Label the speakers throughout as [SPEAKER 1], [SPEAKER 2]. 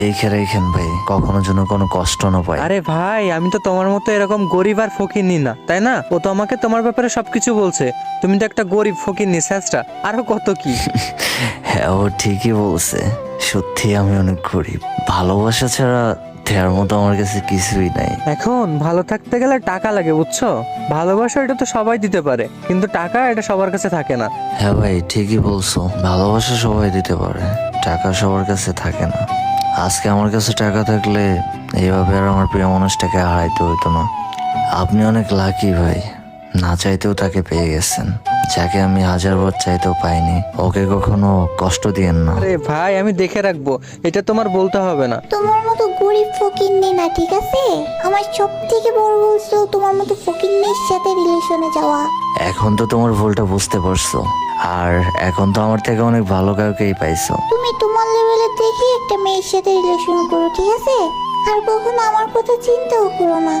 [SPEAKER 1] দেখে রেখেন ভাই, কখনো যেন কোনো কষ্ট না পাই।
[SPEAKER 2] আরে ভাই, আমি তো তোমার মতো এরকম গরিব আর ফকিরনি না, তাই না? ও তো আমাকে তোমার ব্যাপারে সবকিছু বলছে। তুমি তো একটা গরিব ফকিরনি স্যাঁচটা, আরো কত কি।
[SPEAKER 1] হ্যাঁ, ও ঠিকই বলছে। সত্যি আমি অনেক গরিব। ভালোবাসা ছাড়া দেওয়ার মতো আমার কাছে কিছুই নাই।
[SPEAKER 2] এখন ভালো থাকতে গেলে টাকা লাগে, বুঝছো? ভালোবাসা এটা তো সবাই দিতে পারে, কিন্তু টাকা এটা সবার কাছে থাকে না।
[SPEAKER 1] হ্যাঁ ভাই, ঠিকই বলছো। ভালোবাসা সবাই দিতে পারে, টাকা সবার কাছে থাকে না। আজকে আমার কাছে টাকা থাকলে এইভাবে আর আমার প্রিয় মানুষটাকে হারাইতে হইতো না। আপনি অনেক লাকি ভাই, না চাইতেও তাকে পেয়ে গেছেন। যাকে আমি হাজারবার চাইতেও পাইনি, ওকে কখনো কষ্ট দিয়েন না।
[SPEAKER 2] আরে ভাই, আমি দেখে রাখবো, এটা তোমার বলতে হবে না।
[SPEAKER 3] তোমার মতো গরিব ফকিন্নি না, ঠিক আছে? আমার সব থেকে বড় বলছো তোমার মতো ফকিন্নির সাথে রিলেশনে যাওয়া।
[SPEAKER 1] এখন তো তোমার ভুলটা বুঝতে পারছো, আর এখন তো আমার থেকে অনেক ভালো কাউকেই পাইছো।
[SPEAKER 3] তুমি তোমার লেভেলে দেখে একটা মেয়ের সাথে রিলেশন করো, ঠিক আছে? আর কখনো আমার কথা চিন্তাও করো না।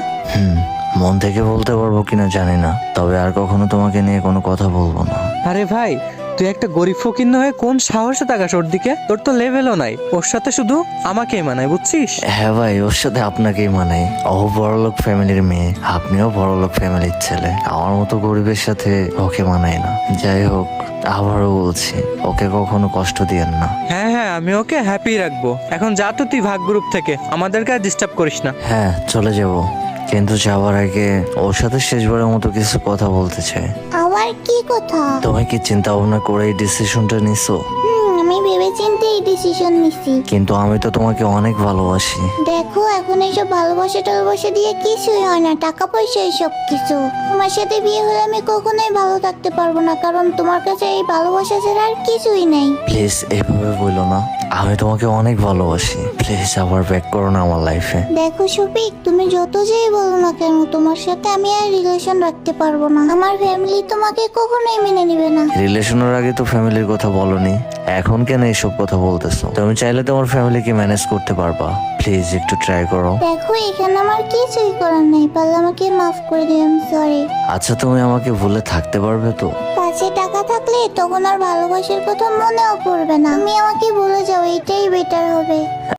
[SPEAKER 1] মন থেকে বলতে পারবো কিনা জানি না, তবে আর কখনো তোমাকে নিয়ে কোনো কথা বলবো না।
[SPEAKER 2] আরে ভাই, তুই একটা গরিব ফকির হয়ে কোন সাহসে তাকাস ওর দিকে? তোর তো লেভেলও নাই, ওর সাথে শুধু আমাকেই মানায়, বুঝছিস?
[SPEAKER 1] হ্যাঁ ভাই, ওর সাথে আপনাকেই মানাই। ও বড়লোক ফ্যামিলির মেয়ে, আপনিও বড়লোক ফ্যামিলির ছেলে। আমার মতো গরিবের সাথে ওকে মানায় না। যাই হোক, আবারও বলছি, ওকে কখনো কষ্ট দিয়েন না।
[SPEAKER 2] হ্যাঁ হ্যাঁ, আমি ওকে হ্যাপি রাখবো। এখন যা তো তুই ভাগ গ্রুপ থেকে, আমাদেরকে আর ডিস্টার্ব করিস না।
[SPEAKER 1] হ্যাঁ, চলে যাব, কিন্তু যাওয়ার আগে ওর সাথে শেষবারের মতো কিছু কথা বলতে চাই।
[SPEAKER 3] আবার কি কথা?
[SPEAKER 1] তুমি কি চিন্তা ভাবনা করে এই ডিসিশনটা নিছো?
[SPEAKER 3] আমি ভেবেচিন্তে এই ডিসিশন নিছি।
[SPEAKER 1] কিন্তু আমি তো তোমাকে অনেক ভালোবাসি।
[SPEAKER 3] দেখো, এখন এইসব ভালোবাসা টালবাসা দিয়ে কিছুই হয় না, টাকা পয়সা সব কিছু। তোমার সাথে বিয়ে হলে আমি কখনোই ভালো থাকতে পারবো না, কারণ তোমার কাছে এই ভালোবাসা ছাড়া আর কিছুই নেই।
[SPEAKER 1] প্লিজ এভাবে বলো না, আমি তোমাকে অনেক ভালোবাসি। প্লিজ আবার ব্যাক করো না আমার লাইফে।
[SPEAKER 3] দেখো শফিক, তুমি যত যেই বলো না কেন, তোমার সাথে আমি আর রিলেশন রাখতে পারবো না। আমার ফ্যামিলি তোমাকে কখনোই মেনে নিবে না।
[SPEAKER 1] রিলেশনের আগে তো ফ্যামিলির কথা বলনি, এখন কেন এইসব কথা বলতেছো? তুমি চাইলে তোমার ফ্যামিলিকে ম্যানেজ করতে পারবা। প্লিজ একটু ট্রাই করো।
[SPEAKER 3] দেখো, এখানে আমার কিছুই করার নেই, পারলে আমাকে মাফ করে দিও, আমি সরি।
[SPEAKER 1] আচ্ছা, তুমি আমাকে ভুলে থাকতে পারবে তো?
[SPEAKER 3] কাছে টাকা থাকলে তখন আর ভালোবাসার কথা মনেও পড়বে না। তুমি আমাকে ভুলে যাও, এটাই বেটার হবে।